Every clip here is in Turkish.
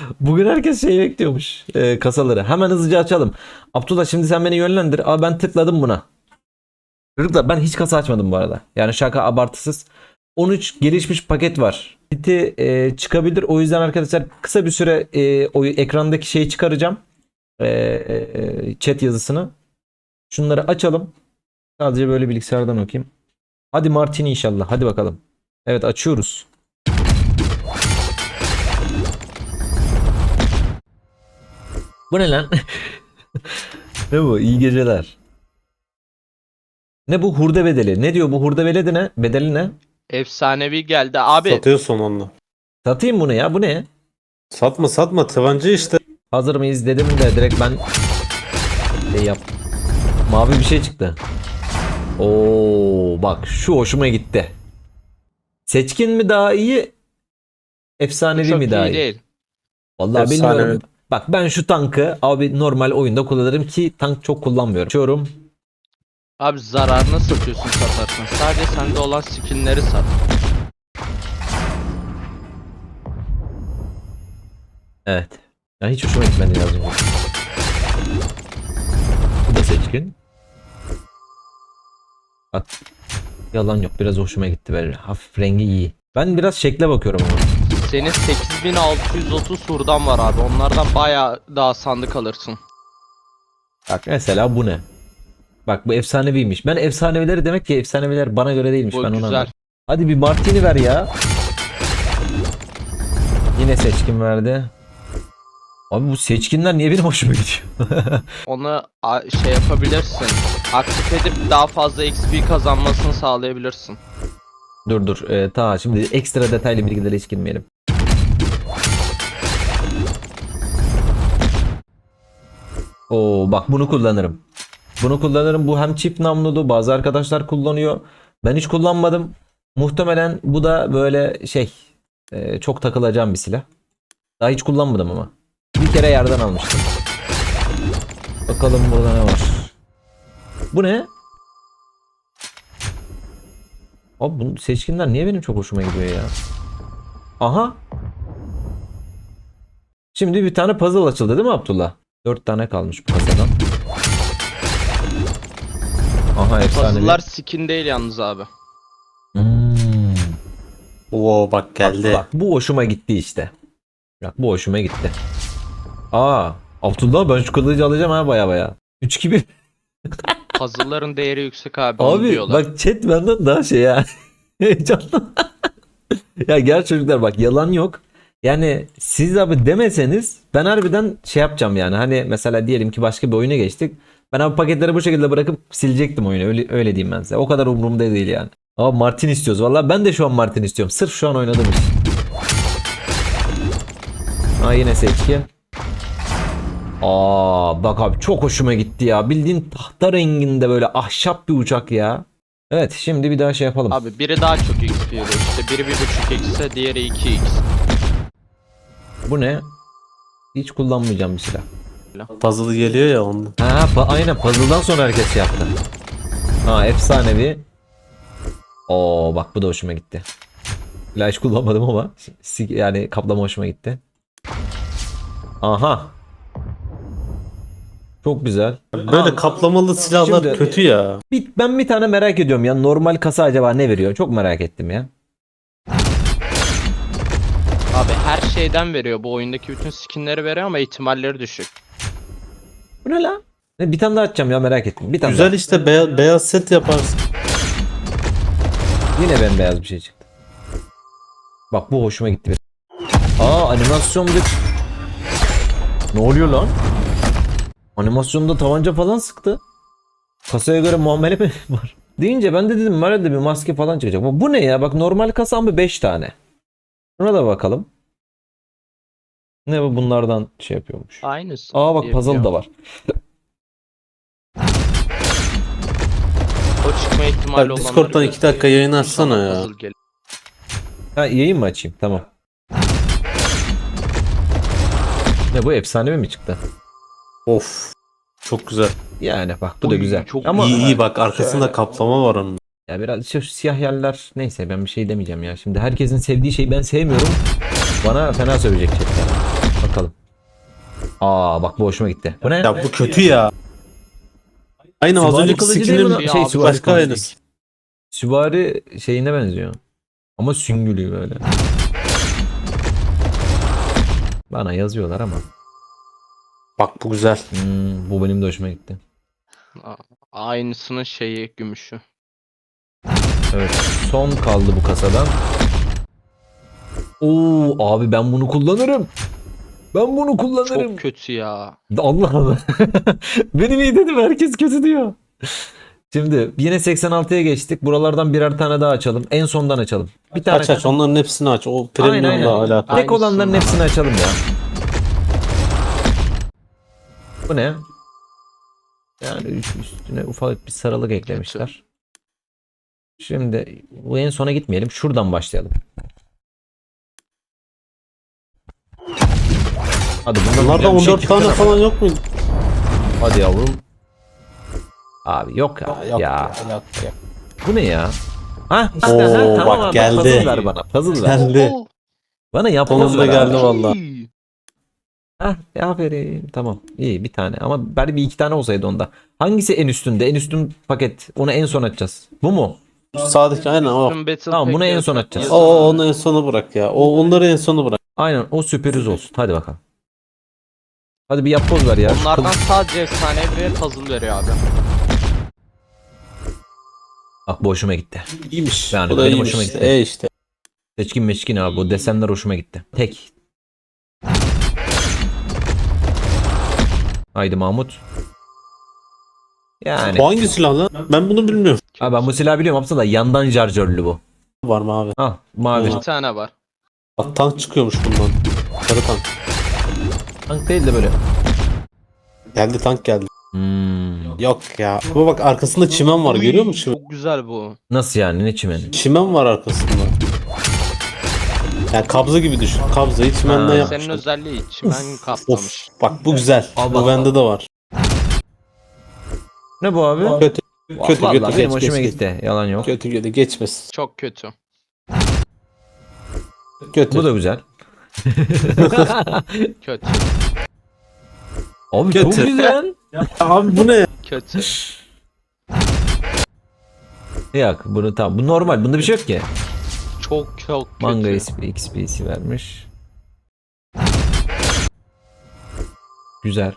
Bugün herkes şey bekliyormuş. Kasaları. Hemen hızlıca açalım. Abdullah şimdi sen beni yönlendir. Aa, ben tıkladım buna. Çocuklar ben hiç kasa açmadım bu arada. Yani şaka abartısız. 13 gelişmiş paket var. Biti çıkabilir. O yüzden arkadaşlar kısa bir süre o ekrandaki şeyi çıkaracağım. Chat yazısını. Şunları açalım. Sadece böyle bilgisayardan okuyayım. Hadi Martini inşallah. Hadi bakalım. Evet açıyoruz. Bu ne lan? Ne bu? İyi geceler. Ne bu hurda bedeli? Ne diyor bu hurda bedeli ne? Bedeli ne? Efsanevi geldi. Abi Satıyorsun onunla. Satayım bunu ya. Bu ne? Satma satma, tabanca işte. Hazır mıyız dedim de direkt ben şey yap. Mavi bir şey çıktı. Oo bak şu hoşuma gitti. Seçkin mi daha iyi? Efsanevi çok mi daha iyi iyi? değil. Vallahi Efsanevi. bilmiyorum. Bak ben şu tankı abi normal oyunda kullanırım ki tank çok kullanmıyorum. Açıyorum. Abi zararına satıyorsun satarsan. Sadece sende olan skinleri sat. Evet. Ya hiç hoşuma gitmedi yazım. Bu da seçkin. Bak. Yalan yok. Biraz hoşuma gitti böyle. Hafif rengi iyi. Ben biraz şekle bakıyorum ama. Senin 8630 hurdan var abi. Onlardan bayağı daha sandık alırsın. Bak mesela bu ne? Bak bu efsaneviymiş. Ben efsanevileri demek ki efsaneviler bana göre değilmiş. Bu Ben onu güzel. anladım. Hadi bir Martini ver ya. Yine seçkin verdi. Abi bu seçkinler niye benim hoşuma gidiyor? Onu şey yapabilirsin. Aktif edip daha fazla XP kazanmasını sağlayabilirsin. Dur. Ta şimdi ekstra detaylı bilgilere hiç girmeyelim. Oo bak bunu kullanırım. Bunu kullanırım. Bu hem çift namlulu. Bazı arkadaşlar kullanıyor. Ben hiç kullanmadım. Muhtemelen bu da böyle şey çok takılacağım bir silah. Daha hiç kullanmadım ama. Bir kere yerden almıştım. Bakalım burada ne var. Bu ne? Abi bu seçkinler niye benim çok hoşuma gidiyor ya? Aha. Şimdi bir tane puzzle açıldı değil mi Abdullah? 4 tane kalmış bu kasadan. Aha efsane. Puzzle'lar skin değil yalnız abi. Oo bak geldi. Bak bu hoşuma gitti işte. Bak bu hoşuma gitti. Aa, Abdullah ben şu kılıcı alacağım ha baya. 3-2-1. Puzzle'ların değeri yüksek abi. Onu Abi diyorlar. bak chat benden daha şey ya. Heyecanlı. Ya gel çocuklar bak yalan yok. Yani siz abi demeseniz ben harbiden şey yapacağım yani. Hani mesela diyelim ki başka bir oyuna geçtik. Ben abi paketleri bu şekilde bırakıp silecektim oyunu. Öyle diyeyim ben size. O kadar umurumda değil yani. Ama Martin istiyoruz. Vallahi ben de şu an Martin istiyorum. Sırf şu an oynadığım için. Aa yine seçkin. Aa bak abi çok hoşuma gitti ya. Bildiğin tahta renginde böyle ahşap bir uçak ya. Evet şimdi bir daha şey yapalım. Abi biri daha çok XP veriyor. İşte biri 1.5x ise diğeri 2x. Bu ne? Hiç kullanmayacağım bir silah. Puzzle geliyor ya ondan. Ha aynen puzzle'dan sonra herkes şey yaptı. Ha efsanevi. Oo bak bu da hoşuma gitti. Flash kullanmadım ama yani kaplama hoşuma gitti. Aha. Çok güzel. Böyle kaplamalı silahlar Şimdi- kötü ya. Ben bir tane merak ediyorum ya. Normal kasa acaba ne veriyor? Çok merak ettim ya. Abi her şeyden veriyor. Bu oyundaki bütün skinleri veriyor ama ihtimalleri düşük. Bu ne lan? Bir tane daha açacağım ya merak ettim. Bir tane Güzel daha. işte, beyaz set yaparsın. Yine bembeyaz bir şey çıktı. Bak bu hoşuma gitti. Aa animasyon bir... Ne oluyor lan? Animasyonda tabanca falan sıktı. Kasaya göre muamele mi var? Deyince ben de dedim herhalde bir maske falan çıkacak. Bu ne ya? Bak normal kasa mı 5 tane. Buna da bakalım. Ne bu bunlardan şey yapıyormuş. Aynısı. Aa bak diye puzzle da biliyorum. var. O çıkma ihtimali Bak olanları Discord'dan 2 dakika yayın açsana sana ya. puzzle geliyor. Ha yayın mı açayım? Tamam. Ne bu efsanevi mi çıktı? Of. Çok güzel. Yani bak bu da Oy, güzel. çok Ama iyi bak, arkasında kaplama var onun. ya biraz şu siyah yerler neyse ben bir şey demeyeceğim ya. Şimdi herkesin sevdiği şeyi ben sevmiyorum. Bana fena sövecek chatten. Bakalım. Aa bak bu hoşuma gitti. Bu ne? Ya bu kötü ya. Aynı az Süvari önceki kılıcı değil skinin mi lan? Ya Şey abi, süvari başka kılıcı aynısı. değil. Süvari şeyine benziyor. Ama süngülü böyle. Bana yazıyorlar ama. Bak bu güzel. Bu benim de hoşuma gitti. Aynısının şeyi gümüşü. Evet. Son kaldı bu kasadan. Oo abi ben bunu kullanırım. Ben bunu kullanırım. Çok kötü ya. Allah Allah. Benim iyi dedim, herkes kötü diyor. Şimdi yine 86'ya geçtik. Buralardan birer tane daha açalım. En sondan açalım. Bir tane. Aç onların hepsini aç. O Aynen, premiumla aynen. alakalı. Tek olanların Aynısından hepsini açalım ya. Bu ne? Yani üstüne ufak bir sarılık eklemişler. Şimdi bu en sona gitmeyelim. Şuradan başlayalım. Hadi Bunlarda bir şey 14 tane çıksana. falan yok mu? Hadi yavrum. Abi yok ya. Yok Ya. yok. Bu ne ya? Ha işte Oo, tamam bak abi. geldi. Puzzle ver bana. Puzzle ver. Geldi. Oo, Bana yapboz Sonunda ver geldi abi. vallahi. Hah aferin. Tamam. İyi bir tane. Ama bari bir iki tane olsaydı onda. Hangisi en üstünde? En üstün paket. Onu en son açacağız. Bu mu? Sağdaki aynen o. Battle Tamam, bunu Pack'e en son yazın. açacağız. O onu en sona bırak ya. O onları en sona bırak. Aynen o sürpriz olsun. Hadi bakalım. Hadi bir yapboz ver ya. Şu Onlardan kılıç- sadece efsanevi ve puzzle veriyor abi. Bak bu hoşuma gitti. İyiymiş. Yani Bu da benim iyiymiş hoşuma işte. gitti. İşte. Seçkin meçkin abi. Bu desenler hoşuma gitti. Tek. Haydi Mahmut. Yani. Bu hangi silah lan? Ben bunu bilmiyorum. Abi ben bu silahı biliyorum. Hapsa da yandan şarjörlü bu. Var mı abi? Ah mavi. Bir tane var. Bak tank çıkıyormuş bundan. Sarı tank. Tank değil de böyle. Geldi tank geldi. Hmm. Yok ya. Ama bak arkasında çimen var. Görüyor musun çimen? Çok güzel bu. Nasıl yani? Ne çimeni? Çimen var arkasında. Yani kabza gibi düşün. Kabzayı çimenden Ha. yapmışlar. Senin özelliği çimen kaplamış. Of. Bak bu güzel. Al Bu bak. bende de var. Ne bu abi? Kötü. Kötü Vallahi kötü. benim Geç, hoşuma geç, gitti. Yalan yok. Kötü kötü. Geçmesin. Çok kötü. Kötü. Bu da güzel. Kötü. Abi Kötü. çok güzel. Abi bu ne ya? Kötü. Yok bunu tamam. Bu normal. Bunda bir şey yok ki. Çok çok kötü. Manga XP'si vermiş. Güzel.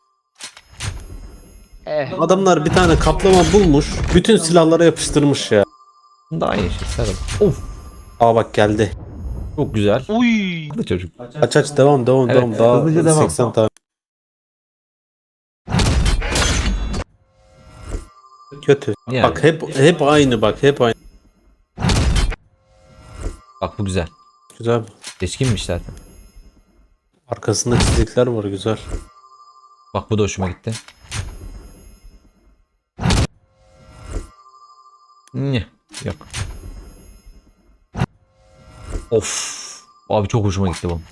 Adamlar bir tane kaplama bulmuş. Bütün silahlara yapıştırmış ya. Bunda aynı şey. Sarıl. Of. Aa bak geldi. Çok güzel. Uy. Haklı çocuk. Aç devam Evet, Daha hızlıca devam. 80 tane. Kötü. Yani. Bak hep aynı bak hep aynı. Bak bu güzel. Güzel. Seçkinmiş zaten. Arkasında çizikler var güzel. Bak bu da hoşuma gitti. Ne? Yok. Of. Abi çok hoşuma gitti bu.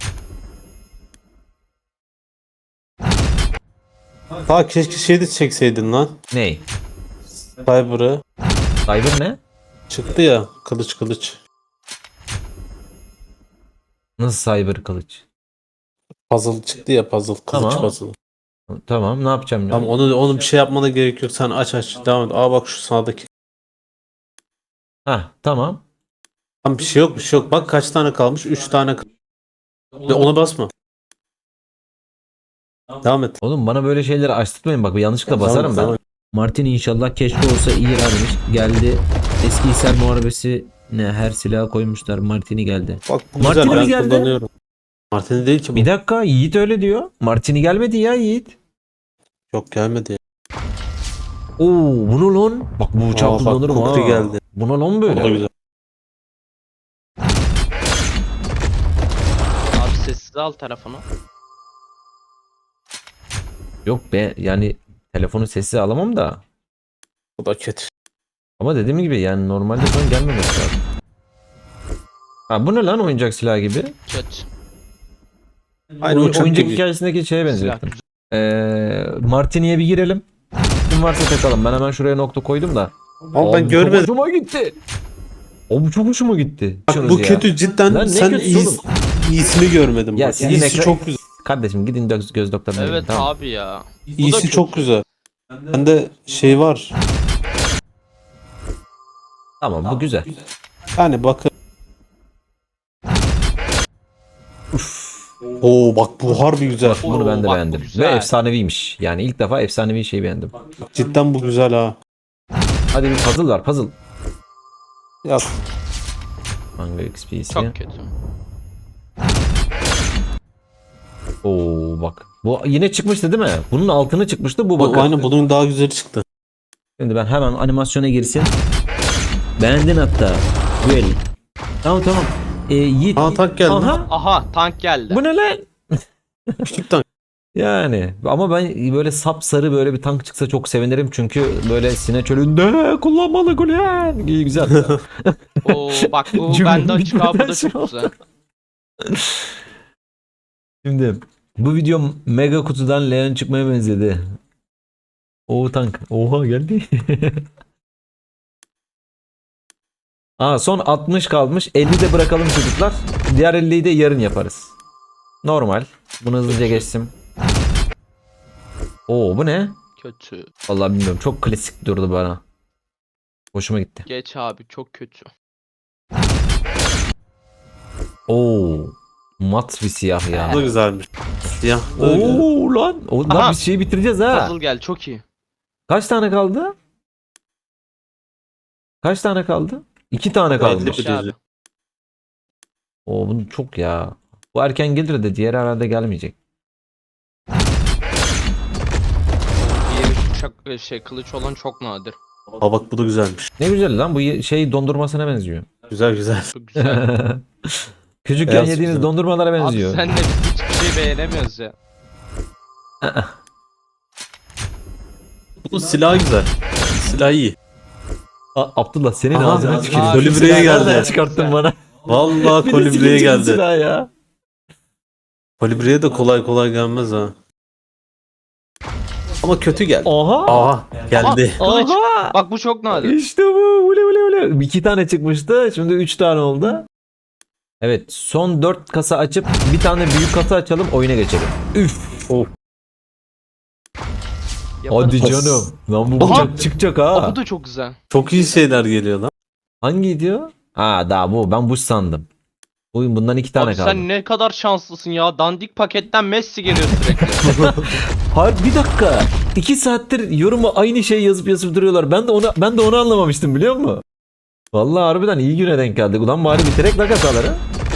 Ta keşke şey de çekseydin lan. Ney? Cyber'ı. Cyber ne? Çıktı ya kılıç. Nasıl cyber kılıç? Puzzle çıktı ya puzzle. Kılıç Tamam. puzzle. Tamam ne yapacağım ya? Tamam onu bir şey yapmana gerek yok. Sen aç devam et. Aa bak şu sağdaki. Hah tamam. Tamam bir şey yok. Bak kaç tane kalmış? 3 tane Ve ona basma. Devam et. Oğlum bana böyle şeyleri açtırmayın bak yanlışlıkla Tamam, basarım ben. tamam. Martin inşallah keşke olsa iyi vermiş. Geldi. Eski Hisar Muharebesi ne her silaha koymuşlar. Martini geldi. Bak bu Martini güzel mi ben geldi? kullanıyorum. Martini değil ki bu. Bir dakika Yiğit öyle diyor. Martini gelmedi ya Yiğit. Yok gelmedi. Oo bunu lan. Bak bu uçağı Aa, bak, kullanırım ha. Kukri geldi. Buna lan O da böyle. güzel. Abi sessiz al telefonu. Yok be yani telefonu sessiz alamam da. O da kötü. Ama dediğim gibi yani normalde son gelmemesi lazım. Ha bu ne lan oyuncak silah gibi? Kötü. Aynı uçak Oyuncak gibi. hikayesindeki şeye Silah benzettim. Martini'ye bir girelim. Kim varsa takalım. Ben hemen şuraya nokta koydum da. Ama ben Abi, görmedim. Çok hoşuma gitti. Bu çok hoşuma gitti. Bak Şunuz bu ya. kötü cidden Lan ne sen kötüsü oğlum? iyisini görmedim. Ya Bak, sizin iyisi ekran- çok güzel. Kardeşim gidin göz doktoruna. gidin, Evet tamam. abi ya. Bu da İyisi kötü. çok güzel. Bende şey var. Tamam bu güzel. Yani bakın. Oo bak bu harbi güzel. Bunu ben de bak bu beğendim. Ve güzel. efsaneviymiş. Yani ilk defa efsanevi şey beğendim. Cidden bu güzel ha. Hadi bir puzzle var puzzle. Ya Manga XP'si. Çok kötü. Oo bak. Bu yine çıkmıştı değil mi? Bunun altını çıkmıştı bu bu, bakın. aynen bunun daha güzeli çıktı. Şimdi ben hemen animasyona girsin. Beğendin hatta. Well. Tamam tamam. Yiğit. Aa, tank geldi. Aha. Aha tank geldi. Bu ne lan? Küçük tank. Yani ama ben böyle sapsarı böyle bir tank çıksa çok sevinirim çünkü böyle Sine Çölü'nde kullanmalı Gülen. İyi güzel. Oo bak bu Cümlenin bende açık abi, bu bitmeden da şey çok oldu. güzel. Şimdi bu video mega kutudan Leon çıkmaya benzedi. O tank. Oha geldi. Son 60 kalmış. 50 de bırakalım çocuklar. Diğer 50'yi de yarın yaparız. Normal. Bunu hızlıca geçtim. Bu ne? Kötü. Vallahi bilmiyorum. Çok klasik durdu bana. Hoşuma gitti. Geç abi çok kötü. Mat bir siyah ya. Bu da güzelmiş. Siyah. da güzel. Lan. Lan Aha. biz şeyi bitireceğiz ha. Puzzle gel çok iyi. Kaç tane kaldı? Kaç tane kaldı? 2 tane kalmış. Belli. Geç abi. Bunu çok ya. Bu erken gelir de diğer herhalde gelmeyecek. Diğeri kılıç olan çok nadir. Aa bak bu da güzelmiş. Ne güzel lan bu şey dondurmasına benziyor. Güzel güzel. Çok güzel. Küçükken Beyaz yediğimiz güzel. dondurmalara Abi benziyor. senle biz hiçbir şey beğenemiyoruz ya. Bu silah güzel. Silah iyi. Abdullah senin Aha, ağzına aha, tüküreyim. kolibriye Şu silahı geldi. nereden çıkarttın bana. Vallahi Bir de kolibriye silinci bir geldi. silah ya. Kolibriye de kolay kolay gelmez ha. Ama kötü geldi. Oha. Aa geldi. Kılıç. Oha. Bak bu çok nadir. İşte bu. Ule ule ule. 2 tane çıkmıştı. Şimdi 3 tane oldu. Evet. Son 4 kasa açıp bir tane büyük kasa açalım. Oyuna geçelim. Üf. Yaparız. Hadi canım. Lan bu Aha. bıçak çıkacak ha. Bu da çok güzel. Çok iyi şeyler geliyor lan. Hangi diyor? Daha bu. Ben bu sandım. Bundan 2 tane Abi kaldı. sen ne kadar şanslısın ya. Dandik paketten Messi geliyor sürekli. Hayır bir dakika. 2 saattir yoruma aynı şeyi yazıp duruyorlar. Ben de onu anlamamıştım biliyor musun? Vallahi harbiden iyi güne denk geldik. Ulan bari bitirek la kasaları.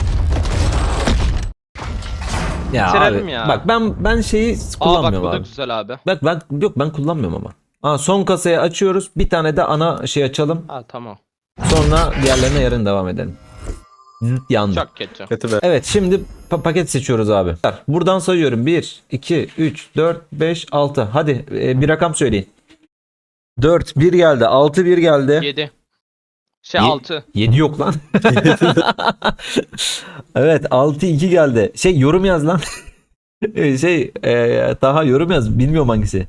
Ya Bitirelim abi, ya. bak ben şeyi Aa bak kullanmıyorum bu da abi. güzel abi. Bak ben kullanmıyorum ama. Son kasayı açıyoruz. Bir tane de ana şey açalım. Ha tamam. Sonra diğerlerine yarın devam edelim. Yandı. Çok kötü. Kötü be. Evet şimdi paket seçiyoruz abi. Buradan sayıyorum. 1, 2, 3, 4, 5, 6. Hadi bir rakam söyleyin. 4, 1 geldi. 6, 1 geldi. 7. Ye- 6. 7 yok lan. Evet 6, 2 geldi. Yorum yaz lan. Daha yorum yaz. Bilmiyorum hangisi.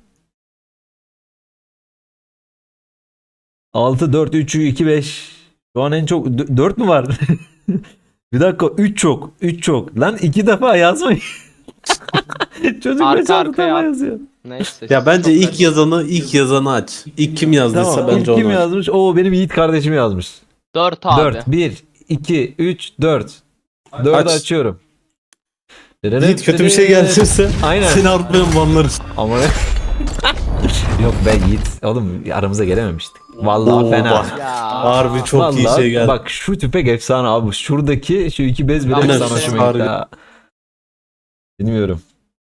6, 4, 3, 2, 5. Şu an en çok 4 mü var? Bir dakika 3 çok. 3 çok. Lan 2 defa yazmayın. Çocuk Arka 5 6 arkaya defa at. yazıyor. Neyse. Ya bence çok ilk yazanı aç. İlk kim yazdıysa Tamam. bence İlk kim onu aç. yazmış? Benim Yiğit kardeşim yazmış. 4 abi. 4, 1, 2, 3, 4. 4'ü Aç. açıyorum. Yiğit kötü bir şey gelirse Aynen. seni artmayan banlarız. Ama yok ben Yiğit. Oğlum aramıza gelememiştik. Vallahi Oo, fena. bak. Ya. Harbi çok iyi Vallahi şey geldi. bak şu tüpek efsane abi. Şuradaki şu 2 bez bile Aynen, efsane hoşuma gitti harbi. ha. Bilmiyorum.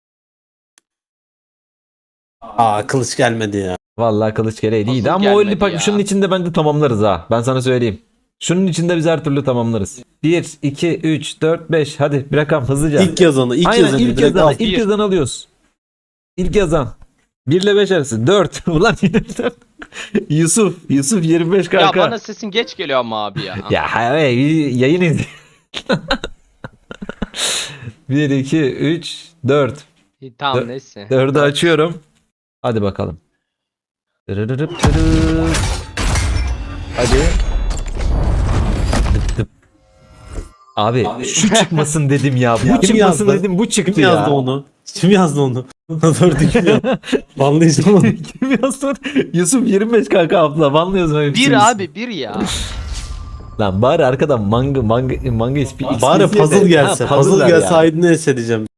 Kılıç gelmedi ya. Vallahi kılıç gereği iyiydi Nasıl ama o gelmedi 50 pak ya? şunun içinde bence tamamlarız ha. Ben sana söyleyeyim. Şunun içinde biz her türlü tamamlarız. 1, 2, 3, 4, 5. Hadi bir rakam hızlıca. İlk yazanı, Aynen ilk direkt yazan. al. İlk Bir. yazan alıyoruz. İlk yazan. 1 ile 5 arası. 4. Ulan yine bir tane. Yusuf 25 Ya kanka. bana sesin geç geliyor ama abi ya. Ya hayır yayın izle. 1, 2, 3, 4. İyi, tamam neyse. 4'ü açıyorum. Hadi bakalım. Dırırırıp dırıp. Hadi. Dıp dıp. Abi şu çıkmasın dedim ya. Bu Kim çıkmasın yazdı? dedim bu çıktı Kim ya. yazdı onu? Kim yazdı onu? Dördü kim yazdı? Banlayacağım onu. Kim yazdı? Yusuf 25 kanka abla banlıyorsun öyle şey. Bir abi bir ya. Lan bari arkadan manga ispi. Bari puzzle gelse. Ha, Puzzle ver gelse ya. Aydın'ı esedeceğim.